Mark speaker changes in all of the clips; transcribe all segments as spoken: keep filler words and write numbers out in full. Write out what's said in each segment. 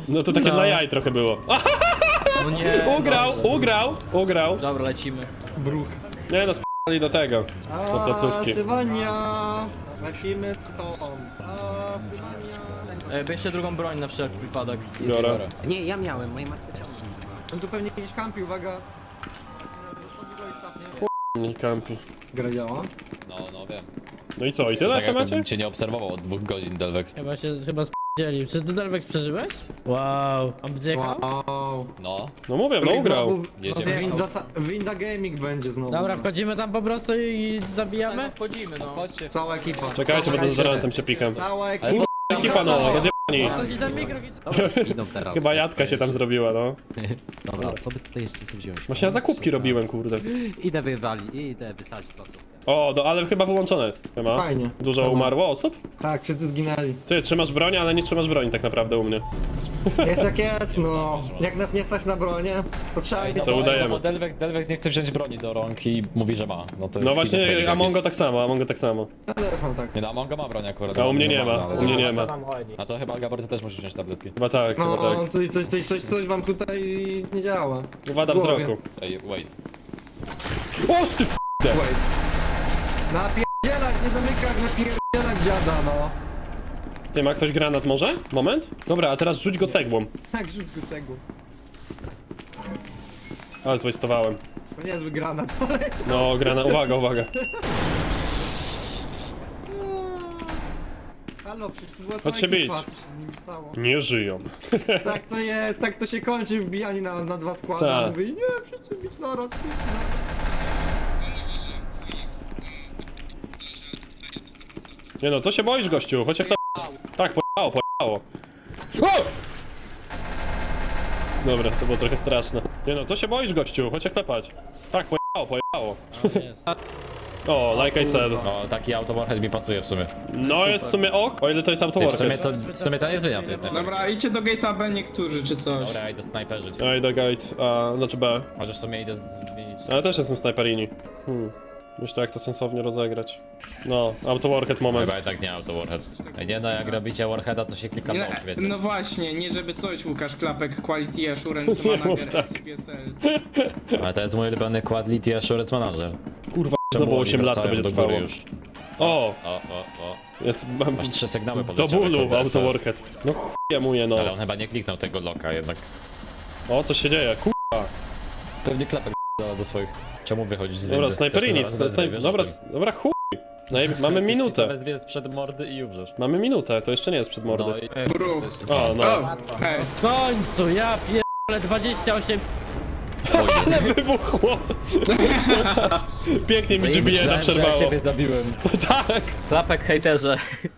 Speaker 1: No to takie
Speaker 2: No.
Speaker 1: dla jaj trochę było.
Speaker 2: No nie.
Speaker 1: Ugrał,
Speaker 2: dobrze.
Speaker 1: ugrał, ugrał.
Speaker 2: Dobra, lecimy. Bruch.
Speaker 1: Nie no, sp***li do tego. Do placówki.
Speaker 3: Sywania. Lecimy stąd. A, Sywania.
Speaker 2: E, bierzcie drugą broń na wszelki wypadek.
Speaker 1: Biorę.
Speaker 4: Nie, ja miałem, moje martwe ciało.
Speaker 3: On tu pewnie gdzieś kampi, uwaga.
Speaker 1: Nie kampi.
Speaker 3: Gra działa?
Speaker 5: No, no wiem.
Speaker 1: No i co, i tyle w
Speaker 5: Tak jakbym
Speaker 1: temacie?
Speaker 5: cię nie obserwował od dwóch godzin, Delvex.
Speaker 6: Chyba się, chyba spdzieli. Czy ty Delvex przeżyłeś? Wow. On wdziekał?
Speaker 3: Wow.
Speaker 5: No.
Speaker 1: No mówię, no ugrał.
Speaker 3: Znowu
Speaker 5: Jedziemy.
Speaker 3: Winda, Winda Gaming będzie znowu.
Speaker 6: Dobra, wchodzimy tam po prostu i
Speaker 2: No,
Speaker 6: zabijamy?
Speaker 2: wchodzimy, no.
Speaker 5: Chodźcie.
Speaker 3: Cała ekipa.
Speaker 1: Czekajcie, bo to z Zarantem się pikam.
Speaker 3: Cała
Speaker 5: Ale
Speaker 3: ekipa.
Speaker 1: Ekipa no, rozjebani.
Speaker 6: Chodzi ten mikro...
Speaker 4: Idą teraz.
Speaker 1: Chyba jadka się tam zrobiła, no.
Speaker 4: Dobra, co by tutaj jeszcze sobie wziąć?
Speaker 1: Właśnie ja zakupki robiłem, kurde.
Speaker 4: Idę wywali, idę wysadzić placówkę.
Speaker 1: O, do, ale chyba wyłączone jest. Chyba.
Speaker 3: Fajnie.
Speaker 1: Dużo umarło osób?
Speaker 3: Tak, wszyscy zginęli.
Speaker 1: Ty trzymasz broń, ale nie trzymasz broni tak naprawdę u mnie.
Speaker 3: Jest jak jest, no. Jak nas nie stać na bronię, to trzeba mieć...
Speaker 1: To udajemy.
Speaker 5: Bo Delvex, Delvex nie chce wziąć broni do rąk i mówi, że ma. No, to
Speaker 1: No
Speaker 5: jest
Speaker 1: właśnie,
Speaker 5: schizofrenik
Speaker 1: Amongo
Speaker 5: jakiś.
Speaker 1: tak samo, Amongo tak samo.
Speaker 3: Telefon tak.
Speaker 5: Nie, no Amongo ma broń akurat.
Speaker 1: A u mnie nie ma,
Speaker 5: ale-
Speaker 1: u mnie nie ma.
Speaker 5: A to chyba, Gabor, ty też musisz wziąć tabletki.
Speaker 1: Chyba tak, chyba
Speaker 3: No,
Speaker 1: tak.
Speaker 3: coś, coś, coś, coś, coś wam tutaj nie działa.
Speaker 1: Wada
Speaker 3: w głowie.
Speaker 1: wzroku.
Speaker 5: Ej, wait.
Speaker 1: O, ty
Speaker 3: Wait. Napierdzielać, nie zamykać, napierdzielać dziada, no.
Speaker 1: Ty, ma ktoś granat może? Moment. Dobra, a teraz rzuć go cegłą.
Speaker 3: Tak, rzuć go cegłą.
Speaker 1: Ale zwastowałem.
Speaker 3: To niezły granat, ale...
Speaker 1: No, granat, uwaga, uwaga.
Speaker 3: Halo, przecież to była
Speaker 1: Chodź
Speaker 3: cała
Speaker 1: się bić.
Speaker 3: ekipa, co się z nimi stało.
Speaker 1: Nie żyją.
Speaker 3: Tak to jest, tak to się kończy wbijanie na, na dwa składy.
Speaker 1: Tak.
Speaker 3: A mówi, nie, wszyscy bić naraz, bić naraz.
Speaker 1: Nie no, co się boisz, gościu? Chodź jak to... Tak, pojechało, pojechało. O! Dobra, to było trochę straszne. Nie no, co się boisz, gościu? Chodź jak tepać. Tak, pojechało, pojechało. O, like I said.
Speaker 5: No, taki autowarhead mi pasuje w sumie.
Speaker 1: No jest w sumie ok, o ile to jest
Speaker 5: Ty, w sumie
Speaker 1: autowarhead.
Speaker 5: to, w sumie to nie zmienia tej tej-
Speaker 7: Dobra, idźcie do gate'a B niektórzy, czy coś.
Speaker 5: Dobra, idę snajperzyć.
Speaker 1: Ej, do gate, a, znaczy B.
Speaker 5: Może w sumie idę zmienić.
Speaker 1: Ale też jestem snajperini. Hmm. Myślę jak to sensownie rozegrać. No, autowarhead moment.
Speaker 5: Chyba jednak nie autowarhead. Ej, nie no, jak robicie warheada, to się klika
Speaker 7: Nie,
Speaker 5: mąż, wiecie.
Speaker 7: no właśnie, nie żeby coś, Łukasz Klapek, Quality Assurance
Speaker 1: Nie mów
Speaker 7: Manager,
Speaker 1: tak.
Speaker 7: S P S L.
Speaker 5: Ale to jest mój ulubiony Quality Assurance Manager.
Speaker 1: Kurwa,
Speaker 5: Czemu
Speaker 1: znowu
Speaker 5: oni
Speaker 1: osiem lat to
Speaker 5: wracają
Speaker 1: będzie
Speaker 5: do góry
Speaker 1: trwało.
Speaker 5: już?
Speaker 1: O,
Speaker 5: O, o, o.
Speaker 1: jest... Mam,
Speaker 5: Masz trzy sygnały
Speaker 1: do
Speaker 5: podleciały,
Speaker 1: bólu
Speaker 5: kurde,
Speaker 1: autowarhead. No chujemuje no.
Speaker 5: Ale on chyba nie kliknął tego loka jednak.
Speaker 1: O, co się dzieje? Kurwa.
Speaker 5: Pewnie klapek do, do swoich... Czemu wychodzić z
Speaker 1: Dobra,
Speaker 5: windy?
Speaker 1: snajperini,
Speaker 5: Też
Speaker 1: snaj...
Speaker 5: wiesz o
Speaker 1: dobra,
Speaker 5: tym.
Speaker 1: dobra chuj. Najb... Mamy minutę.
Speaker 5: Wezwie sprzed mordy i umrzesz.
Speaker 1: Mamy minutę, to jeszcze nie jest przed
Speaker 5: No
Speaker 1: mordy.
Speaker 5: i...
Speaker 7: Bruch.
Speaker 1: O, no.
Speaker 7: O, hej.
Speaker 6: W końcu, ja pierdolę dwadzieścia osiem...
Speaker 1: Ale wybuchło! Pięknie mi G B jedna
Speaker 5: Myślałem, że ja
Speaker 1: przerwało.
Speaker 5: ciebie zabiłem.
Speaker 1: Tak!
Speaker 2: Klapek hejterze.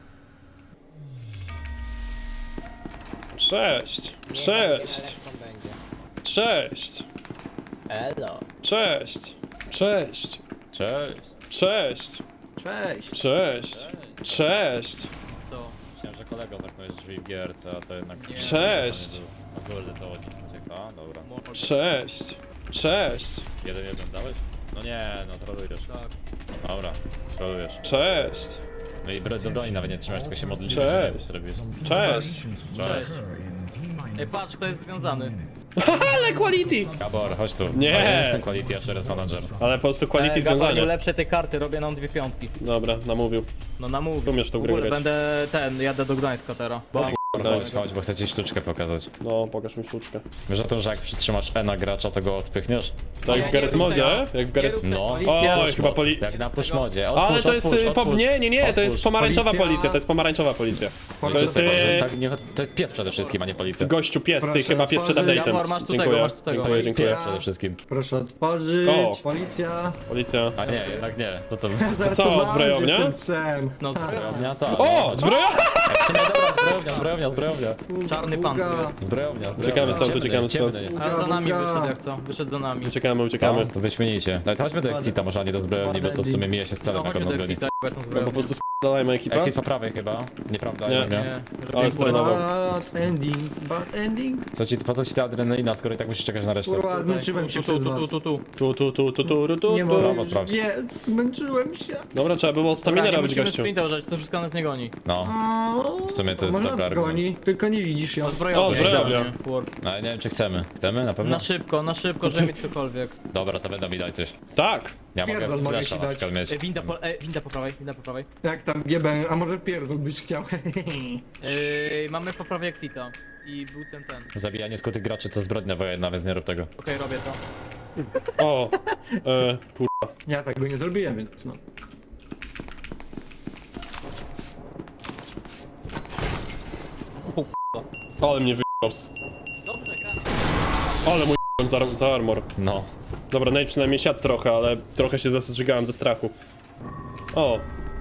Speaker 1: Cześć! Cześć! Cześć!
Speaker 2: Elo.
Speaker 1: Cześć! Cześć!
Speaker 5: Cześć.
Speaker 1: Cześć!
Speaker 3: Cześć.
Speaker 1: Cześć! Cześć!
Speaker 2: Co?
Speaker 5: Myślałem, że kolego zamknąłeś drzwi w gierce, a to jednak...
Speaker 1: Cześć!
Speaker 5: Na górze to od nich ucieka, dobra.
Speaker 1: Cześć! Cześć!
Speaker 5: Jeden jeden dałeś? No nie, no trolujesz.
Speaker 2: Tak.
Speaker 5: Dobra, trolujesz.
Speaker 1: Cześć!
Speaker 5: No i bro- do broni nawet nie trzymałeś, tylko się modlisz.
Speaker 1: Cześć.
Speaker 5: że nie robisz.
Speaker 1: Cześć!
Speaker 2: Cześć. Ej, patrz, kto jest związany.
Speaker 1: Ale quality!
Speaker 5: Gabor, chodź tu.
Speaker 1: Nie.
Speaker 5: A ja jestem Quality Assurance Manager.
Speaker 1: Ale po prostu quality
Speaker 2: Ej, Gabor,
Speaker 1: związania.
Speaker 2: ulepszę te karty, robię nam dwie piątki.
Speaker 1: Dobra, namówił.
Speaker 2: No namówię.
Speaker 1: Umiesz w tą grę
Speaker 2: ogóle
Speaker 1: grać.
Speaker 2: będę ten, jadę do Gdańska teraz. Bo
Speaker 5: Chodź, chodź, bo chcę ci sztuczkę pokazać.
Speaker 1: No, pokaż mi sztuczkę.
Speaker 5: Wiesz o tym, że jak przytrzymasz E na gracza, to go odpychniesz?
Speaker 1: Tak jak w Garry's Modzie? Jak w Garry's...
Speaker 5: No.
Speaker 1: Oj, chyba poli...
Speaker 5: Jak na push modzie.
Speaker 1: Ale to jest... y, Po... Nie, nie, nie, to jest pomarańczowa
Speaker 3: Policja.
Speaker 1: policja, to jest pomarańczowa policja. To jest... y,
Speaker 5: Tak, nie, to jest pies przede wszystkim, a nie policja.
Speaker 1: Gościu pies, ty
Speaker 3: Proszę
Speaker 1: chyba pies przed
Speaker 3: otworzyć.
Speaker 1: update'em.
Speaker 2: Jawor, masz tu tego,
Speaker 1: Dziękuję,
Speaker 2: masz tu tego.
Speaker 1: dziękuję, dziękuję.
Speaker 3: Policja.
Speaker 5: Przede wszystkim.
Speaker 3: Proszę otworzyć.
Speaker 1: O.
Speaker 3: Policja.
Speaker 1: Policja.
Speaker 5: A nie, jednak nie. To to...
Speaker 3: Zaraz
Speaker 1: co,
Speaker 3: podam,
Speaker 1: zbrojownia?
Speaker 3: że Jestem psem.
Speaker 2: No,
Speaker 5: Zbrojownia to...
Speaker 1: O, zbroja!
Speaker 5: Nie, dobra, zbrojownia, zbrojownia, zbrojownia.
Speaker 2: czarny pan tu jest.
Speaker 5: Zbrojownia.
Speaker 1: Uciekamy stąd, uciekamy stąd.
Speaker 5: Ciemny.
Speaker 2: A za nami
Speaker 3: Buga.
Speaker 2: wyszedł jak co? Wyszedł za nami.
Speaker 1: Uciekamy,
Speaker 5: No,
Speaker 1: uciekamy.
Speaker 5: to wyśmienicie. Ale chodźmy do Exita, może a nie do zbrojowni, bo to w sumie mija się z celem,
Speaker 2: No
Speaker 5: jak on
Speaker 2: chodźmy do
Speaker 5: broni.
Speaker 2: Exita, k***a tą
Speaker 1: No
Speaker 2: zbroję.
Speaker 1: po prostu sp***dalajmy ekipę.
Speaker 5: Exit po prawej chyba, nieprawda?
Speaker 1: Nie.
Speaker 5: Nie. nie.
Speaker 2: Nie,
Speaker 1: Ale strenował.
Speaker 3: Bad ending, bad ending.
Speaker 5: Co ci, po co ci ta adrenalina, skoro i tak musisz czekać na resztę?
Speaker 3: Kurwa, zmęczyłem się
Speaker 2: tu, tu,
Speaker 3: przez
Speaker 2: tu,
Speaker 3: was.
Speaker 2: tu, tu.
Speaker 1: Tu, tu, tu, tu, tu, tu, tu,
Speaker 3: Nie
Speaker 1: tu.
Speaker 3: mogę
Speaker 5: Brawo,
Speaker 3: już
Speaker 5: sprawdź.
Speaker 3: biec, zmęczyłem się.
Speaker 1: Dobra, trzeba było staminę
Speaker 2: Dobra, nie
Speaker 1: robić,
Speaker 2: musimy
Speaker 1: gościu.
Speaker 2: sprinta używać, to wszystko nas nie goni.
Speaker 5: No, w sumie to jest
Speaker 3: Może
Speaker 5: dobry
Speaker 3: nas
Speaker 5: argument.
Speaker 3: goni, tylko nie widzisz ją.
Speaker 2: Zbrojowy.
Speaker 1: O, zbrojownia.
Speaker 2: nie? Warp.
Speaker 5: No ale nie wiem czy chcemy. Chcemy na pewno?
Speaker 2: Na szybko, na szybko, żeby mieć cokolwiek.
Speaker 5: Dobra, to będą mi dać coś.
Speaker 1: Tak.
Speaker 5: Ja mogę
Speaker 3: Pierdol, mogę
Speaker 5: flasha
Speaker 3: ci
Speaker 5: na
Speaker 3: dać.
Speaker 5: przykład mieć.
Speaker 2: E, winda, po, e, winda po prawej, winda po prawej.
Speaker 3: Jak tam G B, a może pierdol byś chciał.
Speaker 2: E, mamy po prawej Exita. I był ten, ten.
Speaker 5: Zabijanie skutych graczy to zbrodnia wojenna, więc nie rób tego.
Speaker 2: Okej, robię to.
Speaker 1: O, e, kur...
Speaker 3: Ja tak by nie zrobiłem, więc no.
Speaker 1: Ale mnie wyjebał.
Speaker 2: Dobrze, gra.
Speaker 1: Ale mój za, za armor.
Speaker 5: No.
Speaker 1: Dobra, Nate przynajmniej siadł trochę, ale trochę się zastrzygałem ze strachu. O,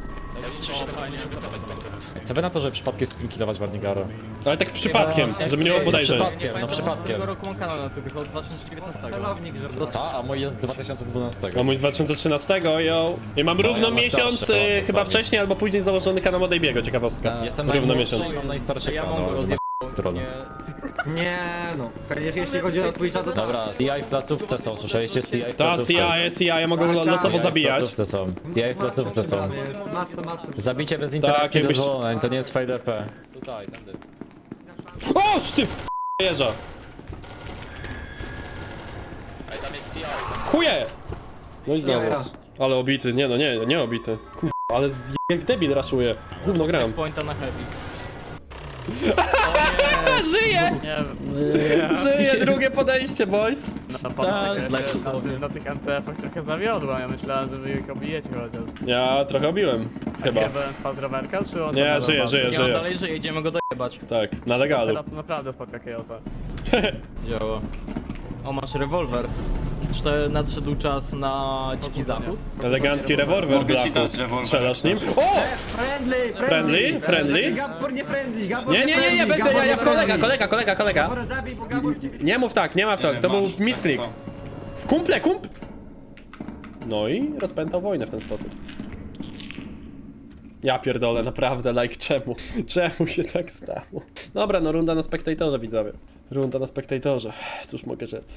Speaker 5: Co wy na to, że przypadkiem skinkilować Warnigara?
Speaker 1: ale tak przypadkiem, żeby nie było podejrzeń.
Speaker 5: Przypadkiem, no
Speaker 2: No
Speaker 5: przypadkiem.
Speaker 2: Tego roku mam kanał na YouTube, od dwa tysiące dziewiętnastego.
Speaker 3: Celownik, że
Speaker 5: Ta, a mój jest z dwa tysiące dwunastego.
Speaker 1: A mój z dwa tysiące trzynastego, yo. I mam równo
Speaker 5: ja mam
Speaker 1: miesiąc,
Speaker 5: starsze,
Speaker 1: y,
Speaker 5: to
Speaker 1: chyba
Speaker 5: prawie.
Speaker 1: wcześniej albo później założony kanał od Ejbiego, ciekawostka.
Speaker 5: Jestem
Speaker 1: Równo
Speaker 5: najmłodszy
Speaker 1: miesiąc.
Speaker 5: i mam najstarszy
Speaker 2: Ja mam
Speaker 5: kanał,
Speaker 2: go
Speaker 5: ale
Speaker 2: rozjebał,
Speaker 5: trudno.
Speaker 2: nie...
Speaker 3: Nie no. Jeśli, jeśli chodzi o Twitcha, to tak.
Speaker 5: Dobra, C I w placówce są, słyszeliście? C I w
Speaker 1: Ta,
Speaker 5: placówce.
Speaker 1: C I, C I, ja mogę
Speaker 3: Tak,
Speaker 1: lo-
Speaker 3: tak.
Speaker 1: losowo
Speaker 5: C I w
Speaker 1: zabijać.
Speaker 5: placówce są. C I w placówce są.
Speaker 3: przybrany jest. Masce, masce.
Speaker 5: Zabicie bez
Speaker 1: Tak,
Speaker 5: interakcji
Speaker 1: jakbyś-
Speaker 5: dozwolone, to nie jest V D P. Tutaj, tędy.
Speaker 1: O, ty w jeża. Chuje! No i znowu.
Speaker 3: Ja.
Speaker 1: Ale obity, nie no, nie, nie obity. Kur... ale z... jak debil raszuje. Gówno gram.
Speaker 2: Pointa na heavy.
Speaker 1: Żyje! Żyje, drugie podejście, boys.
Speaker 8: No, pan tak, na, na tych M T F-ach trochę zawiodła, ja myślałem, że wy ich obijecie chociaż.
Speaker 1: Ja trochę obiłem. Chyba.
Speaker 8: Ja byłem spadł rowerka, czy on
Speaker 1: Nie,
Speaker 8: tam
Speaker 1: żyje,
Speaker 8: nadal
Speaker 1: żyje,
Speaker 8: walczy?
Speaker 2: Ja
Speaker 1: żyje.
Speaker 2: dalej żyję, idziemy go dojebać.
Speaker 1: Tak, na legalu.
Speaker 8: Teraz to naprawdę spotka Chaosa.
Speaker 2: Działa. O, masz rewolwer. Czy to nadszedł czas na dziki zachód?
Speaker 1: Elegancki rewolwer,
Speaker 9: Mogę ci
Speaker 1: Blaku.
Speaker 9: dać rewolwer,
Speaker 1: Strzelasz nim? O!
Speaker 3: Friendly,
Speaker 1: Friendly? Friendly?
Speaker 3: Znaczy, Gabor nie friendly, Gabor
Speaker 1: Nie, nie, nie, nie,
Speaker 3: friendly,
Speaker 1: bez
Speaker 3: Gabor
Speaker 1: ja, ja
Speaker 3: nie
Speaker 1: w kolega,
Speaker 3: friendly.
Speaker 1: kolega, kolega, kolega.
Speaker 3: Gabor zabij, bo Gabor cię...
Speaker 1: Nie mów tak, nie ma w to,
Speaker 9: Nie,
Speaker 1: to był
Speaker 9: masz,
Speaker 1: misklik.
Speaker 9: to.
Speaker 1: Kumple, kump! No i rozpętał wojnę w ten sposób. Ja pierdolę, naprawdę, like, czemu? Czemu się tak stało? Dobra, no runda na spektatorze, widzowie. Runda na spektatorze, cóż mogę rzec.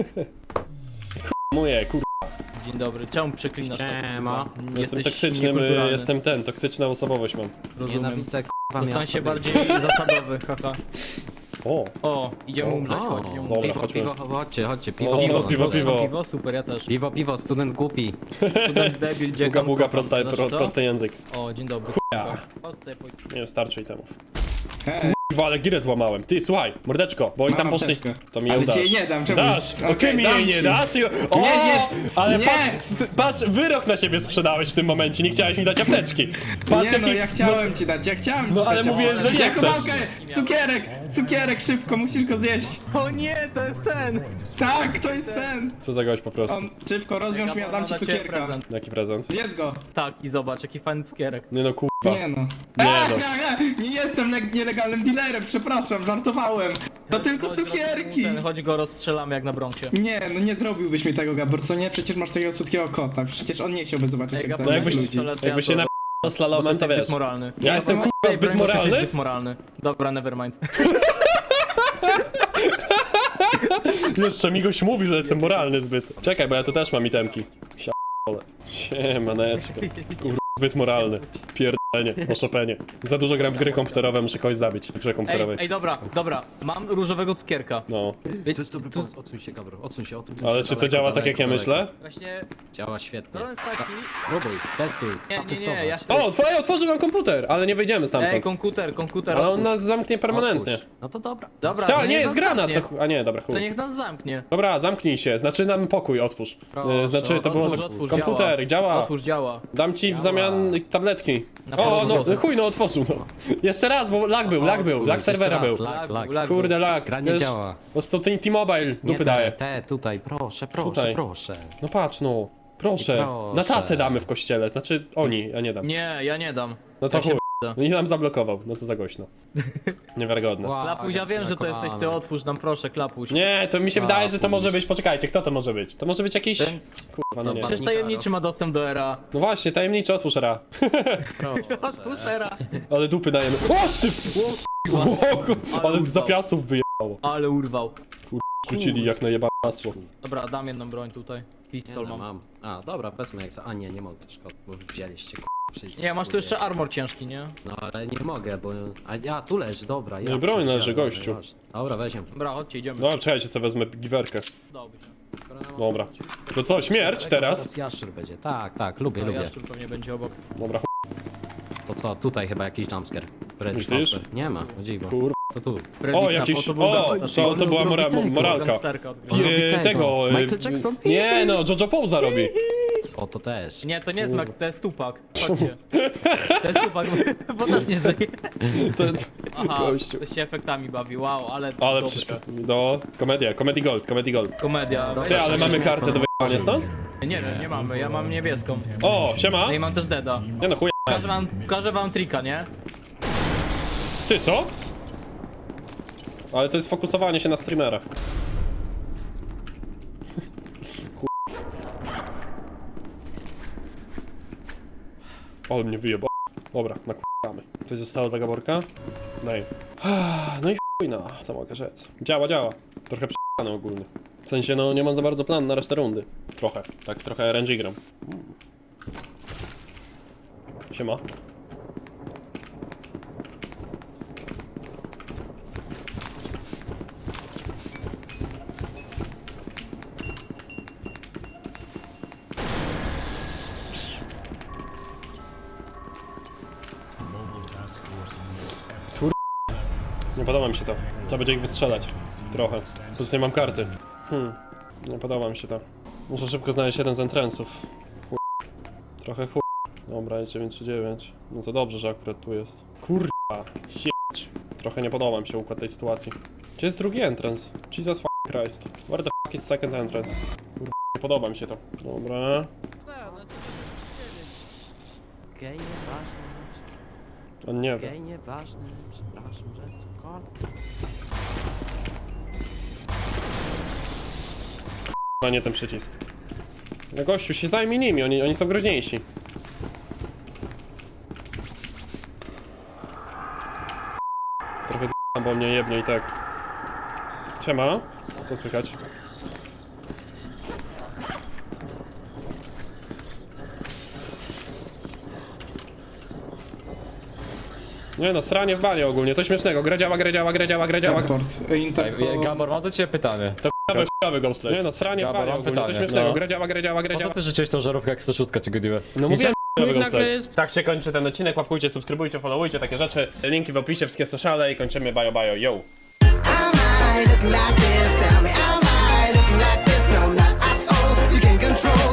Speaker 1: Moje, kur...
Speaker 2: Dzień dobry, czemu przeklinasz to?
Speaker 4: Siema.
Speaker 1: Jestem
Speaker 2: Jesteś
Speaker 1: toksycznym, y,
Speaker 2: niekulturalny.
Speaker 1: jestem ten, toksyczna osobowość mam.
Speaker 2: Rozumiem.
Speaker 4: Nienawidzę k***a
Speaker 2: To stań
Speaker 4: miasta.
Speaker 2: się bardziej zasadowy, haha.
Speaker 1: O,
Speaker 2: O, idziemy umrzeć,
Speaker 4: O,
Speaker 2: chodź, idziemy
Speaker 1: dobra,
Speaker 2: umrzeć.
Speaker 4: piwo,
Speaker 1: chodźmy.
Speaker 4: piwo, chodźcie, chodźcie,
Speaker 1: O,
Speaker 4: piwo,
Speaker 1: piwo, piwo,
Speaker 4: dobrze.
Speaker 1: piwo.
Speaker 2: Piwo, super, ja też.
Speaker 4: Piwo, piwo, student głupi.
Speaker 2: Student debil,
Speaker 1: buga,
Speaker 2: dziekam,
Speaker 1: buga,
Speaker 2: kocham.
Speaker 1: prosta,
Speaker 2: Znaczy
Speaker 1: pro,
Speaker 2: co?
Speaker 1: prosty język.
Speaker 2: O, dzień dobry.
Speaker 1: Ja.
Speaker 2: Chodź tutaj, pójdź.
Speaker 1: Nie wiem, starczy itemów.
Speaker 9: Hej,
Speaker 1: Kurwa, ale girę złamałem. Ty, słuchaj, mordeczko, bo oni
Speaker 7: Mam
Speaker 1: tam poszli...
Speaker 7: apteczkę.
Speaker 1: To mi ją
Speaker 7: Ale ci
Speaker 1: dasz.
Speaker 7: jej nie dam, czemu?
Speaker 1: Dasz!
Speaker 7: Okej,
Speaker 1: Okej, mi
Speaker 7: dam
Speaker 1: jej nie
Speaker 7: ci.
Speaker 1: dasz? I... O,
Speaker 7: Nie, nie,
Speaker 1: ale
Speaker 7: nie.
Speaker 1: patrz, s- patrz, wyrok na siebie sprzedałeś w tym momencie, nie chciałeś mi dać apteczki. Patrz,
Speaker 7: Nie no,
Speaker 1: jaki-
Speaker 7: ja chciałem ci dać, ja chciałem ci
Speaker 1: No,
Speaker 7: dać.
Speaker 1: ale mówię, że nie
Speaker 7: Jako
Speaker 1: chcesz.
Speaker 7: małkę, cukierek, cukierek, szybko, musisz go zjeść.
Speaker 2: O nie, to jest ten!
Speaker 7: Tak, to jest ten.
Speaker 1: Co za gość po prostu.
Speaker 7: On, szybko, rozwiąż mi, ja dam ci
Speaker 2: Dla ciebie
Speaker 7: cukierka.
Speaker 2: prezent.
Speaker 1: Jaki prezent?
Speaker 7: Zjedz go.
Speaker 2: Tak, i zobacz, jaki fajny cukierek.
Speaker 1: Nie no, kurwa.
Speaker 7: Nie no.
Speaker 1: Nie
Speaker 7: A,
Speaker 1: no.
Speaker 7: ja, ja, nie jestem le- nielegalnym dealerem, przepraszam, żartowałem. To tylko
Speaker 2: Chodź,
Speaker 7: cukierki.
Speaker 2: Ten, chodź go rozstrzelamy jak na Bronxie.
Speaker 7: Nie, no nie zrobiłbyś mi tego, Gabor, co nie? Przecież masz takiego słodkiego kota, przecież on nie chciałby zobaczyć,
Speaker 2: Ej,
Speaker 7: jak
Speaker 2: Gabor,
Speaker 1: No
Speaker 7: zabijasz
Speaker 1: jakbyś,
Speaker 7: ludzi.
Speaker 2: pistolet,
Speaker 1: jakbyś się
Speaker 2: ja
Speaker 1: na
Speaker 2: to-
Speaker 1: slalomem, to
Speaker 2: jesteś
Speaker 1: wiesz.
Speaker 2: zbyt moralny.
Speaker 1: Ja jestem
Speaker 7: Ej,
Speaker 1: kurwa zbyt
Speaker 2: Ty jesteś
Speaker 1: moralny?
Speaker 2: zbyt moralny. Dobra, nevermind.
Speaker 1: Jeszcze Migoś mówi, że jestem moralny zbyt. Czekaj, bo ja tu też mam itemki. Siole. Siemaneczko. Kurwa, zbyt moralny. Pierdolenie, o Chopinie. Za dużo gram w gry komputerowe, muszę kogoś zabić. W grze
Speaker 2: Ej,
Speaker 1: komputerowej.
Speaker 2: ej, dobra, dobra. Mam różowego cukierka.
Speaker 1: No.
Speaker 4: To jest dobry pomysł, odsuń się, Gabro, odsuń się, odsuń się.
Speaker 1: Ale czy to
Speaker 4: daleko,
Speaker 1: działa tak
Speaker 4: daleko,
Speaker 1: jak ja
Speaker 4: daleko.
Speaker 1: myślę?
Speaker 2: Właśnie,
Speaker 4: Działa świetnie.
Speaker 2: problem jest taki...
Speaker 4: Próbuj, testuj,
Speaker 2: Nie,
Speaker 4: trzeba
Speaker 2: nie,
Speaker 4: testować.
Speaker 2: nie, ja chcę...
Speaker 1: O, twoje otworzył nam komputer, ale nie wyjdziemy
Speaker 2: Ej,
Speaker 1: stamtąd.
Speaker 2: komputer, komputer,
Speaker 1: Ale on
Speaker 2: otwórz.
Speaker 1: nas zamknie permanentnie.
Speaker 4: Otwórz. No to dobra.
Speaker 2: Dobra, to
Speaker 1: Tak,
Speaker 2: niech
Speaker 1: nie,
Speaker 2: nas
Speaker 1: jest granat.
Speaker 2: zamknie.
Speaker 1: To... chu- A nie, dobra,
Speaker 2: To
Speaker 1: chuj.
Speaker 2: niech nas zamknie.
Speaker 1: Dobra, zamknij się, znaczy nam pokój otwórz.
Speaker 4: Proszę,
Speaker 1: E, znaczy to było
Speaker 2: Otwórz,
Speaker 1: tak...
Speaker 2: otwórz,
Speaker 1: komputer, działa.
Speaker 2: Otwórz, działa.
Speaker 1: Dam ci w zamian tabletki.
Speaker 2: Na
Speaker 1: O,
Speaker 2: pewno
Speaker 1: no
Speaker 2: zgodzę.
Speaker 1: chuj, no otworzył, no. Jeszcze raz, bo lag był, lag był, lag
Speaker 4: Jeszcze
Speaker 1: serwera
Speaker 4: raz,
Speaker 1: był.
Speaker 4: Lag, lag.
Speaker 2: lag.
Speaker 1: Kurde, lag.
Speaker 4: Gra nie
Speaker 1: Wiesz,
Speaker 4: działa.
Speaker 1: Po prostu ten T-Mobile
Speaker 4: Nie
Speaker 1: dupy
Speaker 4: te,
Speaker 1: daje.
Speaker 4: te, tutaj, proszę, proszę,
Speaker 1: Tutaj.
Speaker 4: proszę.
Speaker 1: No patrz, no. Proszę.
Speaker 4: Proszę.
Speaker 1: Na tacę damy w kościele, znaczy oni, a nie dam.
Speaker 2: Nie, ja nie dam.
Speaker 1: No to
Speaker 2: Ja się
Speaker 1: chuj. No i nam zablokował, no co za głośno. Niewiarygodne.
Speaker 4: Wow,
Speaker 2: Klapuś, ja wiem, że to jesteś ty, otwórz nam proszę, Klapuś.
Speaker 1: Nie, to mi się
Speaker 4: A,
Speaker 1: wydaje, że to może
Speaker 4: pójdź.
Speaker 1: być, poczekajcie, kto to może być? To może być jakiś...
Speaker 2: Ten?
Speaker 1: Kurwa, no nie.
Speaker 2: Przecież tajemniczy ma dostęp do era.
Speaker 1: No właśnie, tajemniczy, otwórz ra.
Speaker 2: Otwórz era.
Speaker 1: Ale dupy dajemy. O, ty! O, kur- ale z zapiasów wyjebało.
Speaker 2: Ale urwał.
Speaker 1: Rzucili jak na jebane masło.
Speaker 2: Dobra, dam jedną broń tutaj.
Speaker 4: Nie,
Speaker 2: Pistol
Speaker 4: no,
Speaker 2: mam.
Speaker 4: mam. A, dobra, wezmę jak za... A nie, nie mogę, szkoda, bo wzięliście, k***. wszyscy.
Speaker 2: Nie, masz tu jeszcze armor ciężki, nie?
Speaker 4: No ale nie mogę, bo... A, ja, tu leży, dobra. Ja
Speaker 1: No i broń leży,
Speaker 4: przewidziałem,
Speaker 1: gościu.
Speaker 4: ważne. Dobra, weźmy.
Speaker 2: Dobra, chodźcie, idziemy.
Speaker 1: Dobra, czekajcie, sobie wezmę giwerkę.
Speaker 2: Dobrze.
Speaker 1: Dobra. To co, śmierć teraz?
Speaker 4: Zaraz jaszczur będzie. Tak, tak, lubię,
Speaker 2: No,
Speaker 4: lubię.
Speaker 2: jaszczur pewnie będzie obok.
Speaker 1: Dobra, ch...
Speaker 4: To co, tutaj chyba jakiś jumpscare. Freddy
Speaker 1: Myślisz?
Speaker 4: Fazbear. Nie ma, o dziwo.
Speaker 1: kur...
Speaker 4: To tu.
Speaker 2: Freddy
Speaker 1: O,
Speaker 2: Knapp,
Speaker 1: jakiś...
Speaker 2: to był
Speaker 1: O,
Speaker 2: gangster.
Speaker 1: to, to była mora...
Speaker 4: tego,
Speaker 1: moralka.
Speaker 2: Gangsterka od
Speaker 4: On robi
Speaker 1: Eee,
Speaker 4: tego.
Speaker 1: tego... e,
Speaker 4: Michael Jackson?
Speaker 1: Nie no, Jojo Pouza robi.
Speaker 4: O, to też.
Speaker 2: Nie, to nie jest Mac, to jest Tupak. Chodźcie. To jest Tupak, bo też nie żyje.
Speaker 1: To,
Speaker 2: Aha,
Speaker 1: Gościu.
Speaker 2: to się efektami bawi, wow, ale...
Speaker 1: ale
Speaker 2: dobre.
Speaker 1: przyszło... Do... Komedia, Comedy Gold, Comedy Gold.
Speaker 2: Komedia.
Speaker 1: Ty, ale mamy kartę do wyjechania stąd?
Speaker 2: Nie wiem, nie mamy, ja mam niebieską.
Speaker 1: O, siema!
Speaker 2: No i mam też Deda.
Speaker 1: Nie no, chuj...
Speaker 2: Pokażę wam, pokażę wam trika, nie?
Speaker 1: Ty, co? Ale to jest fokusowanie się na streamera. Ale mnie wyjebał. Dobra, nakładamy. Coś zostało dla Gaborka? Nej. No i chuj, no, co mogę rzec. Działa, działa. Trochę prze***ane ogólnie. W sensie, no, nie mam za bardzo planu na resztę rundy. Trochę. Tak, trochę R N G gram. Mm. Siema. Nie podoba mi się to. Trzeba będzie ich wystrzelać. Trochę. Plus nie mam karty. Hmm. Nie podoba mi się to. Muszę szybko znaleźć jeden z entrance'ów. Chuj. Trochę chuj. Dobra, jest dziewięć trzy dziewięć. No to dobrze, że akurat tu jest. Kurwa. Sieć. Trochę nie podoba mi się układ tej sytuacji. Gdzie jest drugi entrance? Jesus f*** Christ. Where the f*** is second entrance? Kurwa. Nie podoba mi się to. Dobra.
Speaker 4: Gej, nieważne.
Speaker 1: On nie wie.
Speaker 4: Gej, nieważne. Przepraszam, że cokolwiek.
Speaker 1: No nie ten przycisk. No gościu, się zajmij nimi, oni, oni są groźniejsi. Trochę z***am, bo mnie jebnie i tak. Siema. Co słychać? Nie no, sranie w banie ogólnie, coś śmiesznego. Gra działa, gra działa, gra działa, gra działa.
Speaker 7: Raport.
Speaker 5: Ej,
Speaker 7: Interko...
Speaker 5: Gabor, mam do ciebie pytanie.
Speaker 1: To f***owe, f***owe ghostle. Nie no, sranie w
Speaker 5: Dobra,
Speaker 1: banie
Speaker 5: mam
Speaker 1: ogólnie, coś
Speaker 5: pytanie.
Speaker 1: śmiesznego.
Speaker 5: No.
Speaker 1: Gra działa, gra działa, gra
Speaker 5: Po co
Speaker 1: działa.
Speaker 5: ty rzuciłeś tą żarówkę jak sto sześć czy Godiwe?
Speaker 1: No mówiłem, f***owe
Speaker 6: nagle
Speaker 1: ghostle.
Speaker 6: jest-
Speaker 1: Tak się kończy ten odcinek, łapkujcie, subskrybujcie, followujcie, takie rzeczy. Linki w opisie, wszystkie sociale i kończymy, bajo bajo, yo.
Speaker 9: Am I looking like this? Tell me, am I looking like this? No, not at all. You can control